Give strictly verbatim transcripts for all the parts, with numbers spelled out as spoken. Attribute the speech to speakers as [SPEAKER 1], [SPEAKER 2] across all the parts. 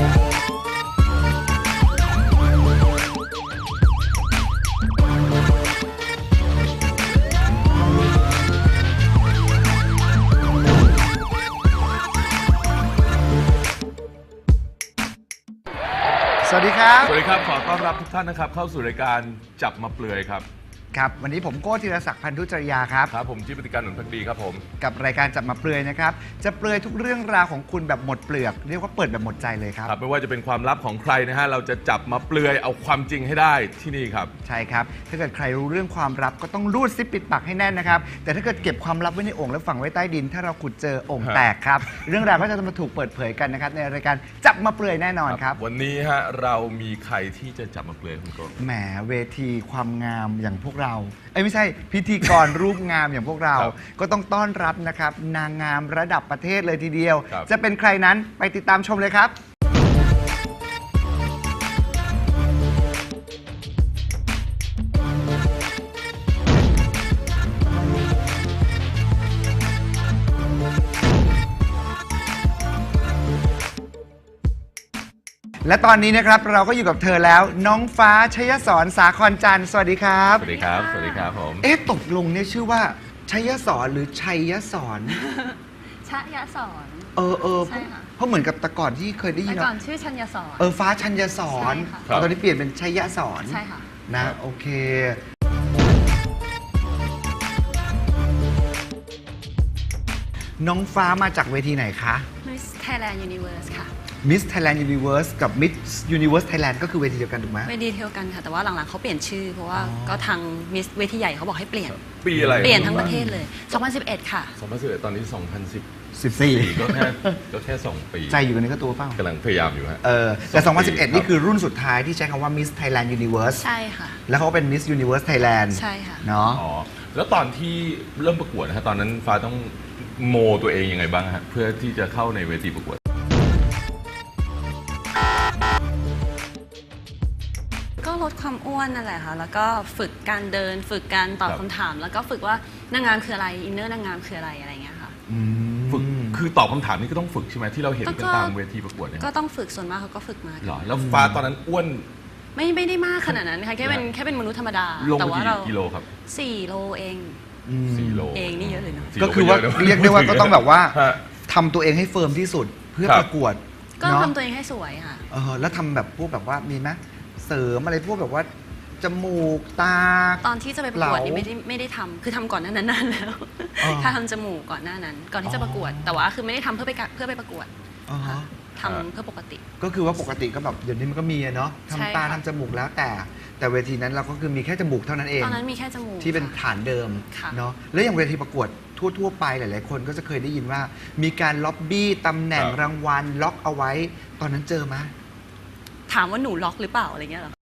[SPEAKER 1] สวัสดีครับ
[SPEAKER 2] สวัสดีครับขอต้อนรับทุกท่านนะครับเข้าสู่รายการจับมาเปลือยครับ
[SPEAKER 1] ครับวันนี้ผมโก้ธีรศักดิ์พันธุจริยาครับ
[SPEAKER 2] ครับผมจิปติการหนุนพักดีครับผม
[SPEAKER 1] กับรายการจับมาเปลือยนะครับจะเปลือยทุกเรื่องราวของคุณแบบหมดเปลือกเรียกว่าเปิดแบบหมดใจเลยครับ
[SPEAKER 2] ครับไม่ว่าจะเป็นความลับของใครนะฮะเราจะจับมาเปลือยเอาความจริงให้ได้ที่นี่ครับ
[SPEAKER 1] ใช่ครับถ้าเกิดใครรู้เรื่องความลับก็ต้องรูดซิปปิดปากให้แน่นนะครับแต่ถ้าเกิดเก็บความลับไว้ในโอ่งแล้วฝังไว้ใต้ดินถ้าเราขุดเจอโอ่งแตกครับเรื่องราวก็จะมาถูกเปิดเผยกันนะครับในรายการจับมาเปลือยแน่นอนครับ
[SPEAKER 2] วันนี้ฮะเรามีใครที่จะจับมาเปลือยคุณโก้
[SPEAKER 1] แหมเวทีความงามอย่างพวกเราเอ้ยไม่ใช่พิธีกรรูปงามอย่างพวกเราก็ต้องต้อนรับนะครับนางงามระดับประเทศเลยทีเดียวจะเป็นใครนั้นไปติดตามชมเลยครับและตอนนี้นะครับเราก็อยู่กับเธอแล้วน้องฟ้าชยสรสาครจันทร์สวัสดีครับ
[SPEAKER 2] สวัสดีครับสวัสดีครับผม
[SPEAKER 1] เอ๊ะตกลงเนี่ยชื่อว่าชยสรหรือชัยสร
[SPEAKER 3] ชยสร
[SPEAKER 1] เออเออเพราะเหมือนกับแต่ก่อนที่เคยได้ยิน
[SPEAKER 3] แต่ก่อนชื่อชัญญสร
[SPEAKER 1] เออฟ้าชัญญสรตอนนี้เปลี่ยนเป็นชัยสร
[SPEAKER 3] ใช่ค่ะ
[SPEAKER 1] นะโอเคน้องฟ้ามาจากเวทีไหนคะ
[SPEAKER 3] Miss Thailand Universe ค่ะ
[SPEAKER 1] Miss Thailand Universe กับ Miss Universe Thailand ก็คือเวทีเดียวกันถูกไหม
[SPEAKER 3] เวทีเดียวกันค่ะแต่ว่าหลังๆเขาเปลี่ยนชื่อเพราะว่าก็ทาง Miss เวทีใหญ่เขาบอกให้เปลี่ยน
[SPEAKER 2] ปีอะไร
[SPEAKER 3] เปลี่ยนทั้งประเทศเลยสองพันสิบเอ็ดค่ะ
[SPEAKER 2] สองพันสิบเอ็ดตอนนี้สองพันสิบ
[SPEAKER 1] สี่
[SPEAKER 2] ก็แค่ก็แค่สองปี
[SPEAKER 1] ใจอยู่กันนี้ก็ตัวเปล่าก
[SPEAKER 2] ำลังพยายามอยู่ฮะ
[SPEAKER 1] เออแต่สองพันสิบเอ็ดนี่คือรุ่นสุดท้ายที่ใช้คำว่า Miss Thailand Universe
[SPEAKER 3] ใช่ค่ะ
[SPEAKER 1] แล้วเขาเป็น Miss Universe Thailand
[SPEAKER 3] ใช่ค่ะ
[SPEAKER 1] เนาะ
[SPEAKER 2] อ๋อแล้วตอนที่เริ่มประกวดนะฮะตอนนั้นฟ้าต้องโมตัวเองยังไงบ้างฮะเพื่อที่จะเข้าในเวทีประกวด
[SPEAKER 3] ก็ลดความอ้วนนั่นแหละค่ะแล้วก็ฝึกการเดินฝึกการตอบคำถามแล้วก็ฝึกว่านางงามคืออะไรอินเนอร์นางงามคืออะไรอะไรเงี้ยค่ะ
[SPEAKER 2] ฝึกคือตอบคำถามนี่ก็ต้องฝึกใช่ไหมที่เราเห็นกันตามเวทีประกวดเนี่ย
[SPEAKER 3] ก็ต้องฝึกส่วนมากเขาก็ฝึกมา
[SPEAKER 2] หรอแล้วฟ้าตอนนั้นอ้วน
[SPEAKER 3] ไม่ไม่ได้มากขนาดนั้นค่ะแค่เป็นแค่เป็นมนุษย์ธรรมดา
[SPEAKER 2] แต่ว่าเรากิโลครับ
[SPEAKER 3] สี่โลเอง
[SPEAKER 2] สี่โล
[SPEAKER 3] เองนี่เยอะเลยเนาะ
[SPEAKER 1] ก็คือว่าเรียกได้ว่าก็ต้องแบบว่าทำตัวเองให้เฟิร์มที่สุดเพื่อประกวด
[SPEAKER 3] ก็ทำตัวเองให้สวยค่ะ
[SPEAKER 1] เออแล้วทำแบบพวกแบบว่ามีไหมเสริมอะไรพวกแบบว่าจมูกตา
[SPEAKER 3] ตอนที่จะไปประกวดนี่ไม่ได้ไม่ได้ทำคือทำก่อนหน้านั้นนานแล้วถ้าทำจมูกก่อนหน้านั้น ก่อนที่จะประกวดแต่ว่าคือไม่ได้ทำเพื่อไปเพื่อไปประกวดทำเพื่อปกติ
[SPEAKER 1] ก็คือว่าปกติก็แบบเดี๋ยวนี้มันก็มีเนาะทำตาทำจมูกแล้วแต่แต่เวทีนั้นเราก็คือมีแค่จมูกเท่านั้นเอง
[SPEAKER 3] ตอนนั้นมีแค่จมูก
[SPEAKER 1] ที่เป็นฐานเดิมเนาะแล้วอย่างเวทีประกวดทั่วๆไปหลายๆคนก็จะเคยได้ยินว่ามีการล็อบบี้ตำแหน่งรางวัลล็อกเอาไว้ตอนนั้นเจอไหม
[SPEAKER 3] ถามว่าหนูล็อกหรือเปล่าอะไรเงี้ยหรอ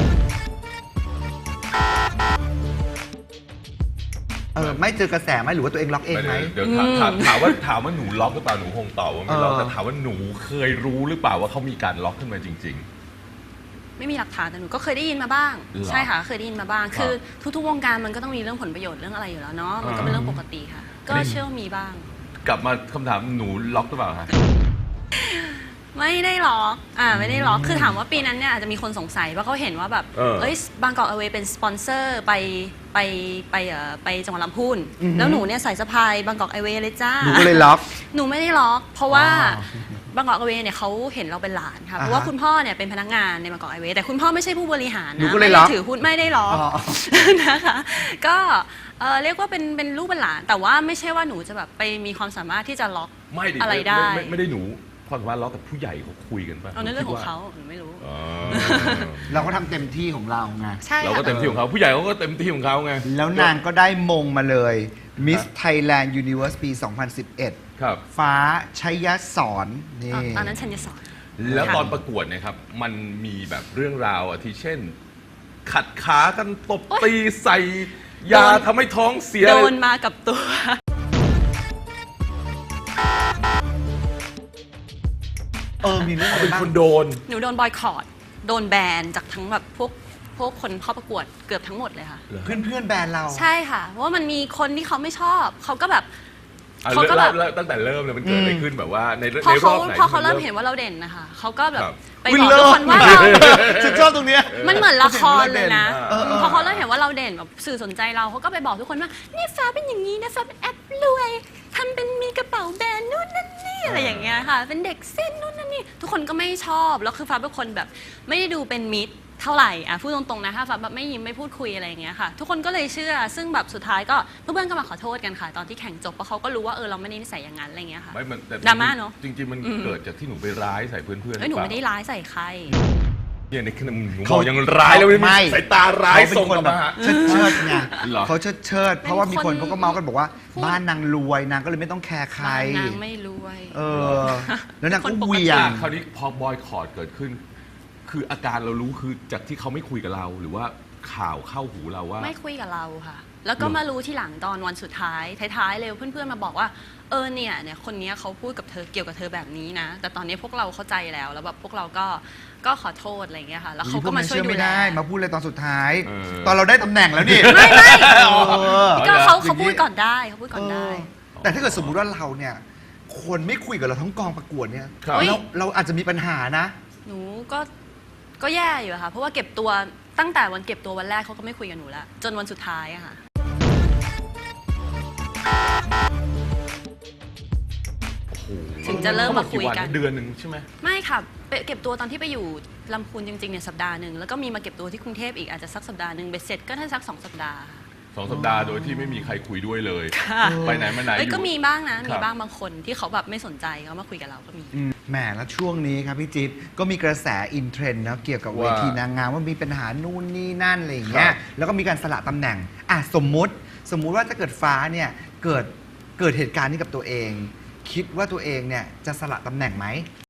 [SPEAKER 1] เออไม่เจอกระแสไหมหรือว่าตัวเองล็อกเองไหม
[SPEAKER 2] เดี๋ยวถามถามว่าถามว่าหนูล็อกหรือเปล่าหนูคงตอบว่าไม่ล็อกแต่ถามว่าหนูเคยรู้หรือเปล่าว่าเขามีการล็อกขึ้นมาจริงๆ
[SPEAKER 3] ไม่มีหลักฐานแต่หนูก็เคยได้ยินมาบ้างใช่ค่ะเคยได้ยินมาบ้างคือทุกๆวงการมันก็ต้องมีเรื่องผลประโยชน์เรื่องอะไรอยู่แล้วเนาะมันก็เป็นเรื่องปกติค่ะก็เชื่อว่ามีบ้าง
[SPEAKER 2] กลับมาคำถามหนูล็อกหรือเปล่าคะ
[SPEAKER 3] ไม่ได้ล็อกอ่าไม่ได้ล็อกคือถามว่าปีนั้นเนี่ยอาจจะมีคนสงสัยว่าเขาเห็นว่าแบบเอ้ยบางกอกอเวย์เป็นสปอนเซอร์ไปไปไปเอ่อไปจังหวัดลำพูนแล้วหนูเนี่ยใส่สะพายบางกอกไอเวย์เลยจ้า
[SPEAKER 1] หนูก็เลยล็อก
[SPEAKER 3] หนูไม่ได้ล็อกเพราะว่าบางกอกไอเวย์เนี่ยเขาเห็นเราเป็นหลานค่ะเพราะว่าคุณพ่อเนี่ยเป็นพนักงานในบางกอกไอเวย์แต่คุณพ่อไม่ใช่ผู้บริหารนะไม่ได้ถือหุ้นไม่ได้ล็อกนะคะก็เรียกว่าเป็นเป็นลูกเป็นหลานแต่ว่าไม่ใช่ว่าหนูจะแบบไปมีความสามารถที่จะล็อกอะไรได้
[SPEAKER 2] ไม่ได้หนูความสามารถล็อกกับผู้ใหญ่เขาคุยกันป่ะ
[SPEAKER 3] เอาเรื่องของเขาหนูไม่รู้
[SPEAKER 1] เราก็ทำเต็มที่ของเราไง
[SPEAKER 2] เราก็เต็มที่ของเขาผู้ใหญ่เขาก็เต็มที่ของเขาไง
[SPEAKER 1] แล้วนางก็ได้มงมาเลย Miss Thailand Universe ปี สองพันสิบเอ็ด
[SPEAKER 2] ครับ
[SPEAKER 1] ฟ้าชัยสร
[SPEAKER 3] นี่ตอนนั้นชัญญสร
[SPEAKER 2] แล้วตอนประกวดเนี่ยครับมันมีแบบเรื่องราวอ่ะที่เช่นขัดขากันตบตีใส่ยาทำให้ท้องเสีย
[SPEAKER 3] โดนมากับตัว
[SPEAKER 1] เออมีเรื่องอะไรบ้าง
[SPEAKER 2] เป็นคนโดน
[SPEAKER 3] หนูโดนบอยคอตโดนแบนจากทั้งแบบพวกพวกคนเข้าประกวดเกือบทั้งหมดเลยค่ะ
[SPEAKER 1] เพื่อนเพื่อนแบนเรา
[SPEAKER 3] ใช่ค่ะเพราะว่ามันมีคนที่เขาไม่ชอบเขาก็แบบ
[SPEAKER 2] อ่ะ
[SPEAKER 3] เขาก็แบบ
[SPEAKER 2] เริ่มตั้งแต่เริ่มเลยมันเกิดอะไรขึ้นแบบว่าใน
[SPEAKER 3] พอ
[SPEAKER 2] ในร
[SPEAKER 3] เขา
[SPEAKER 2] อบไหน
[SPEAKER 3] พอเขาเริ่ม
[SPEAKER 2] ที่
[SPEAKER 3] เห็นว่าเราเด่นนะคะเขาก็แบบ
[SPEAKER 2] ครับ
[SPEAKER 3] ไปบอกทุกคนว่าเรา
[SPEAKER 1] ฉันชอบตรงเนี้ย
[SPEAKER 3] มันเหมือนละครเลยนะ
[SPEAKER 2] เออเออ
[SPEAKER 3] พอเขาเริ่มเห็นว่าเราเด่นแบบสื่อสนใจเราเขาก็ไปบอกทุกคนว่านี่ฟ้าเป็นอย่างนี้นะฟ้าเป็นแอปรวยทำเป็นมีกระเป๋าแบรนด์นู่นนั่นนี่อะไรอย่างเงี้ยค่ะ เป็นเด็กเส้นนู่นนั่นนี่ทุกคนก็ไม่ชอบแล้วคือฟ้าเป็นคนแบบไม่ได้ดูเป็นมิตรเท่าไหร่อ่ะพูดตรงๆนะถ้าฟ้าแบบไม่ยิ้มไม่พูดคุยอะไรอย่างเงี้ยค่ะ ทุกคนก็เลยเชื่อซึ่งแบบสุดท้ายก็เพื่อนๆก็มาขอโทษกันค่ะ ตอนที่แข่งจบเพราะเขาก็รู้ว่าเออเราไม่ได้นิสัยอย่างนั้นอะไรเงี้ยค่ะ
[SPEAKER 2] ไม่มันแต่
[SPEAKER 3] ดราม่าเนอะ
[SPEAKER 2] จริงๆมัน
[SPEAKER 3] อืม
[SPEAKER 2] เกิดจากที่หนูไปร้ายใส่เพื่อนๆ
[SPEAKER 3] เอ้ยหนูไม่ได้
[SPEAKER 2] รือเปล่
[SPEAKER 3] ร้ายใส่ใคร
[SPEAKER 2] เนี่ยในขณะหนู
[SPEAKER 1] เขา
[SPEAKER 2] บอกยังร้ายแล้ว
[SPEAKER 1] ไม่
[SPEAKER 2] มีสายตาร้าย
[SPEAKER 1] เขาเป็น
[SPEAKER 2] ส่ง
[SPEAKER 1] คน
[SPEAKER 2] กลับ
[SPEAKER 1] แบบ
[SPEAKER 2] มา
[SPEAKER 1] เชิดเชิดๆไง
[SPEAKER 2] เหรอ
[SPEAKER 1] เขาเชิดเชิดๆเพราะว่ามีคน
[SPEAKER 3] เป็นคน
[SPEAKER 1] เขาก็เมาส์กันบอกว่า
[SPEAKER 3] พูด
[SPEAKER 1] บ้านนางรวยนางก็เลยไม่ต้องแคร์ใคร
[SPEAKER 3] นางไม่รวย
[SPEAKER 1] เออ แล้วนาง
[SPEAKER 3] ค
[SPEAKER 1] ก็
[SPEAKER 3] นปกติ
[SPEAKER 1] เหวียง
[SPEAKER 2] คราวนี้พอบอยคอร์ดเกิดขึ้น คืออาการเรารู้คือจากที่เขาไม่คุยกับเรา หรือว่าข่าวเข้าหูเราว่า
[SPEAKER 3] ไม่คุยกับเราค่ะ แล้วก็
[SPEAKER 2] เหรอ
[SPEAKER 3] มารู้ทีหลังตอนวันสุดท้าย ท้ายๆเลยเพื่อนๆมาบอกว่า เออเนี่ยเนี่ยคนเนี้ยเขาพูดกับเธอเกี่ยวกับเธอแบบนี้นะ แต่ตอนนี้พวกเราเข้าใจแล้ว แล้วแบบพวกเราก็ก็ขอโทษอะไรอย่างเงี้ยค่ะ แล้วเขาก็มาช่วย
[SPEAKER 1] พกน
[SPEAKER 3] ดู
[SPEAKER 1] ไม่
[SPEAKER 3] แล
[SPEAKER 1] ได้มาพูดเลยตอนสุดท้าย
[SPEAKER 2] เออ
[SPEAKER 1] ตอนเราได้ตำแหน่งแล้วนี่
[SPEAKER 3] ไม่ไม่
[SPEAKER 1] เออ
[SPEAKER 3] ก็เขา
[SPEAKER 1] อย่างนี้
[SPEAKER 3] เขาพูดก่อนได้เขาพูดก่อนได้
[SPEAKER 1] เออแต่ถ้าเกิดสมมุติว่าเราเนี่ย คนไม่คุยกับเราทั้งกองประกวดเนี่ย
[SPEAKER 2] ครับ
[SPEAKER 1] เราเราอาจจะมีปัญหานะ
[SPEAKER 3] หนูก็ก็แย่อยู่อะค่ะ เพราะว่าเก็บตัวตั้งแต่วันเก็บตัววันแรกเขาก็ไม่คุยกับหนูแล้วจนวันสุดท้ายอะค่ะ ถึงจะเริ่มมาคุยกัน
[SPEAKER 2] เดือนหนึ่งใช่ไหม
[SPEAKER 3] ไม่ค่ะไปเก็บตัวตอนที่ไปอยู่ลำพูนจริงๆเนี่ยสัปดาห์หนึ่งแล้วก็มีมาเก็บตัวที่กรุงเทพอีกอาจจะสักสัปดาห์หนึ่งเบ็ดเสร็จก็น่าจะสักสองสัปดาห์
[SPEAKER 2] สองสัปดาห์โดยที่ไม่มีใครคุยด้วยเลย
[SPEAKER 3] ค่ะ
[SPEAKER 2] ไปไหนมาไหน
[SPEAKER 3] เอ้ย
[SPEAKER 2] อยู่
[SPEAKER 3] ก็มีบ้างนะ
[SPEAKER 2] ครับ
[SPEAKER 3] มีบ้างบางคนที่เขาแบบไม่สนใจเขามาคุยกับเราก็มี
[SPEAKER 1] อืมแหมแล้วช่วงนี้ครับพี่จิ๊บก็มีกระแสอินเทรนด์นะเกี่ยวกับเวทีนางงามว่ามีปัญหานู่นนี่นั่นอะไรอย่างเงี้
[SPEAKER 2] ค
[SPEAKER 1] ย
[SPEAKER 2] รับ
[SPEAKER 1] แล้วก็มีการสละตำแหน่งอ่ะสมมุติสมมุติว่าถ้าเกิดฟ้าเนี่ยเกิดเกิดเหตุการณ์นี้กับตัวเอง คิดว่าตัวเองเนี่ยจะสละตำแหน่งไหม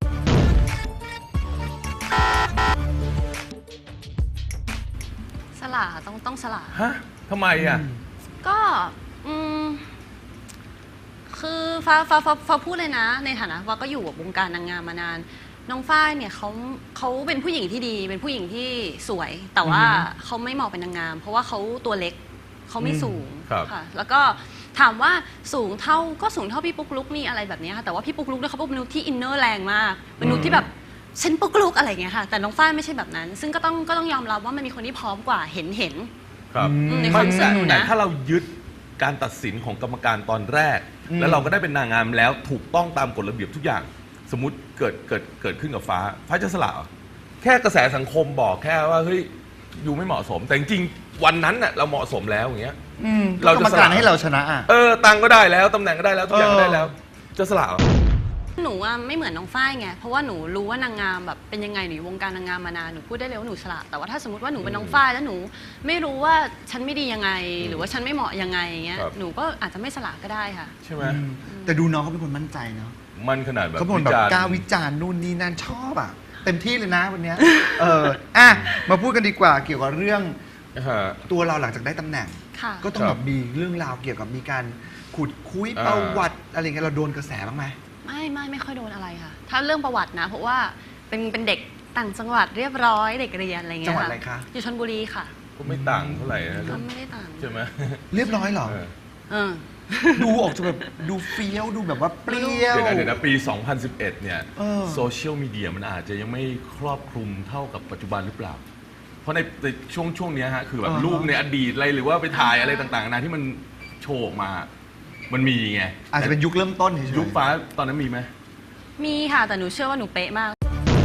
[SPEAKER 3] สละต้องต้องสละ
[SPEAKER 2] ฮะทำไมอ่ะ
[SPEAKER 3] ก็อืมคือฟ้าฟ้าฟ้าฟ้าพูดเลยนะ ในฐานะฟ้าก็อยู่กับวงการนางงามมานาน น้องฝ้ายเนี่ยเขาเขาเป็นผู้หญิงที่ดี เป็นผู้หญิงที่สวย แต่ว่า
[SPEAKER 1] อือฮึ
[SPEAKER 3] เขาไม่เหมาะเป็นนางงาม เพราะว่าเขาตัวเล็กเขาไม่
[SPEAKER 1] อืม
[SPEAKER 3] สูง
[SPEAKER 2] ครับ
[SPEAKER 3] ค่ะ แล้วก็ถามว่าสูงเท่าก็สูงเท่าพี่ปุ๊กลุกนี่อะไรแบบเนี้ยค่ะแต่ว่าพี่ปุ๊กลุกเนี่ยเขาเป็นมนุษย์ที่อินเนอร์แรงมากเป็นมนุษย์ที่แบบฉันปุ๊กลุกอะไรอย่างเงี้ยค่ะ แต่น้องฝ้ายไม่ใช่แบบนั้น ซึ่งก็ต้องก็ต้องยอมรับว่ามันมีคนที่พร้อมกว่าเห็นเห็น
[SPEAKER 2] ครับ
[SPEAKER 1] อืม
[SPEAKER 3] ในความรู้สึกหนูนะ
[SPEAKER 2] แต่ถ้าเรายึดการตัดสินของกรรมการตอนแรก
[SPEAKER 1] อืม
[SPEAKER 2] แล้วเราก็ได้เป็นนางงามแล้วถูกต้องตามกฎระเบียบทุกอย่าง สมมติเกิดเกิดเกิดขึ้นกับฟ้า ฟ้าจะสละเหรอแค่กระแสสังคมบอกแค่ว่าเฮ้ยยูไม่เหมาะสม แต่จริงๆวันนั้นน่ะเราเหมาะสมแล้วอย่างเงี้ย
[SPEAKER 1] อืม
[SPEAKER 2] เรา
[SPEAKER 1] เรา
[SPEAKER 2] จะ
[SPEAKER 1] กรรม
[SPEAKER 2] สละ
[SPEAKER 1] การให้เราชนะอ่ะ
[SPEAKER 2] เออตังค์ก็ได้แล้วตำแหน่งก็ได้แล้วทุกอย่างก็ได้
[SPEAKER 1] เออ
[SPEAKER 2] แล้ว จะสละเหรอ
[SPEAKER 3] หนูอะไม่เหมือนน้องฝ้ายไง เพราะว่าหนูรู้ว่านางงามแบบเป็นยังไงหนูอยู่วงการนางงามมานาน หนูพูดได้เลยว่าหนูฉลาด แต่ว่าถ้าสมมติว่าหนูเป็นน้องฝ้ายแล้วหนูไม่รู้ว่าฉันไม่ดียังไง หรือว่าฉันไม่เหมาะยังไงเงี้ย
[SPEAKER 2] ครับ
[SPEAKER 3] หนูก็อาจจะไม่ฉลาดก็ได้ค่ะ
[SPEAKER 2] ใช่ไหม
[SPEAKER 1] อืมแต่ดูน้องเขาเป็นคนมั่นใจเนาะ
[SPEAKER 2] มันขนาดแบบ
[SPEAKER 1] เขาเป็นคนแบบ
[SPEAKER 2] วิจารณ์
[SPEAKER 1] กล้าวิจารณ์นู่นนี่นั่นชอบอ่ะ เต็มที่เลยนะวันเนี้ยเอออ่ะมาพูดกันดีกว่าเกี่ยวกับเรื่อง
[SPEAKER 2] ฮะ
[SPEAKER 1] ตัวเราหลังจากได้ตำแหน่ง
[SPEAKER 3] ค่ะ
[SPEAKER 1] ก็ต้อง
[SPEAKER 2] ค
[SPEAKER 1] แบ
[SPEAKER 2] รับบ
[SPEAKER 1] มีเรื่องราวเกี่ยวกับมีการขุดคุย
[SPEAKER 2] อ่า
[SPEAKER 1] ประวัติอะไรเงี้ยเราโดนกระแสบ้างไหม
[SPEAKER 3] ไม่ไม่ไม่ค่อยโดนอะไรค่ะ ถ้าเรื่องประวัตินะ เพราะว่าเป็นเป็นเด็กต่างจังหวัดเรียบร้อยเด็กเรียนอะไรเงี้ย
[SPEAKER 1] จังหวัด
[SPEAKER 3] ค่ะ
[SPEAKER 1] อะไรคะ
[SPEAKER 3] อยู่ชลบุรีค่ะ
[SPEAKER 2] ก็ไม่ต่างเท่าไหร่นะ
[SPEAKER 3] ก็ไม่ได้ต่าง
[SPEAKER 2] ใช่ไหม
[SPEAKER 1] เรียบร้อยเหรอ
[SPEAKER 2] เออ
[SPEAKER 3] เออ
[SPEAKER 1] ดูออกจะแบบดูเฟี้ยวดูแบบว่าเปรี้ยว
[SPEAKER 2] เดี๋ยวนะเดี๋ยวนะปี สองพันสิบเอ็ด เนี่ย
[SPEAKER 1] เออ
[SPEAKER 2] โซเชียลมีเดียมันอาจจะยังไม่ครอบคลุมเท่ากับปัจจุบันหรือเปล่า เพราะในในช่วงช่วงเนี้ยฮะคือแบบ
[SPEAKER 1] อ่าฮะ
[SPEAKER 2] รูปในอดีตอะไรหรือว่าไปถ่ายอะไรต่างๆนานาที่มันโชว์ออกมา มันมีไง
[SPEAKER 1] อาจจะเป็นยุคเริ่มต้นเฉยๆ
[SPEAKER 2] ยุคฟ้าตอนนั้นมีไหม
[SPEAKER 3] มีค่ะ แต่หนูเชื่อว่าหนูเป๊ะมาก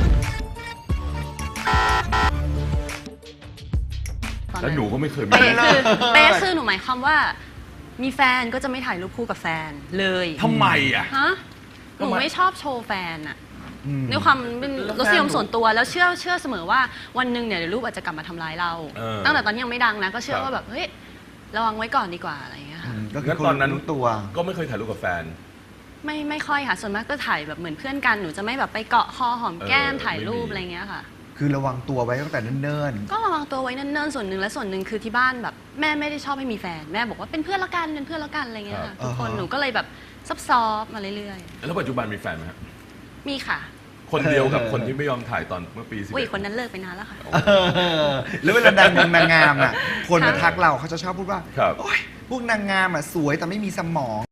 [SPEAKER 3] ตอน
[SPEAKER 2] แล้ว
[SPEAKER 3] นั้น
[SPEAKER 2] หนูก็ไม่เคยมี
[SPEAKER 3] เป๊ะคือเป๊ะคือหนูหมายความว่า มีแฟนก็จะไม่ถ่ายรูปคู่กับแฟนเลย
[SPEAKER 2] ทำไมอ่ะ
[SPEAKER 3] ฮะห
[SPEAKER 2] ทำ
[SPEAKER 3] นู
[SPEAKER 2] ไม
[SPEAKER 3] ไม่ชอบโชว์แฟนอะ
[SPEAKER 1] อืม
[SPEAKER 3] ด้วยความเป็น
[SPEAKER 2] แล้ว
[SPEAKER 3] รสนิยม
[SPEAKER 2] แฟนหนู
[SPEAKER 3] ส่วนตัวแล้วเชื่อเชื่อเสมอว่าวันหนึ่งเนี่ยเดี๋ยวรูปอาจจะกลับมาทำร้ายเรา
[SPEAKER 2] เออ
[SPEAKER 3] ตั้งแต่ตอนนี้ยังไม่ดังนะ ก็เชื่อ
[SPEAKER 2] ครับ
[SPEAKER 3] ว่าแบบเฮ้ยระวังไว้ก่อนดีกว่าอะไรอย่างเงี้ย
[SPEAKER 1] อื
[SPEAKER 3] ค่ะ
[SPEAKER 1] มก็คื
[SPEAKER 2] งั้
[SPEAKER 1] อน คน
[SPEAKER 2] ตอนนั้น
[SPEAKER 1] รู้ตัว
[SPEAKER 2] ก็ไม่เคยถ่ายรูปกับแฟน
[SPEAKER 3] ไม่ไม่ค่อยค่ะ ส่วนมากก็ถ่ายแบบเหมือนเพื่อนกันหนูจะไม่แบบไปเกาะคอหอมแก้ม
[SPEAKER 2] เออ
[SPEAKER 3] ถ่ายรูป
[SPEAKER 2] ไม่มี
[SPEAKER 3] อะไรเงี้ยค่ะ
[SPEAKER 1] คือระวังตัวไว้ตั้งแต่เนิ่น
[SPEAKER 3] ก็ระวังตัวไว้เนิ่นๆส่วนหนึ่งและส่วนหนึ่งคือที่บ้านแบบแม่ไม่ได้ชอบให้มีแฟนแม่บอกว่าเป็นเพื่อนละกันเป็นเพื่อนละกันอะไรเงี้ยค่ะทุกคนหนูก็เลยแบบซับซ้อนมาเรื่อย
[SPEAKER 2] แล้วปัจจุบันมีแฟนไหมครับ
[SPEAKER 3] ๆมีค่ะ
[SPEAKER 2] คนเดียวกับคนที่ไม่ยอมถ่ายตอนเมื่อปีสิบ
[SPEAKER 3] อุ้ย
[SPEAKER 2] เอ็ด
[SPEAKER 3] คนนั้นเลิกไปนานแล้วค่ะ
[SPEAKER 1] ๆเออแล้วเวลาดังนางงามอ่ะคนมา
[SPEAKER 3] ค่ะ
[SPEAKER 1] ทักเราเขาจะชอบพูดว่า
[SPEAKER 2] ครับ
[SPEAKER 1] โอ๊ยพวกนางงามอ่ะสวยแต่ไม่มีสมอง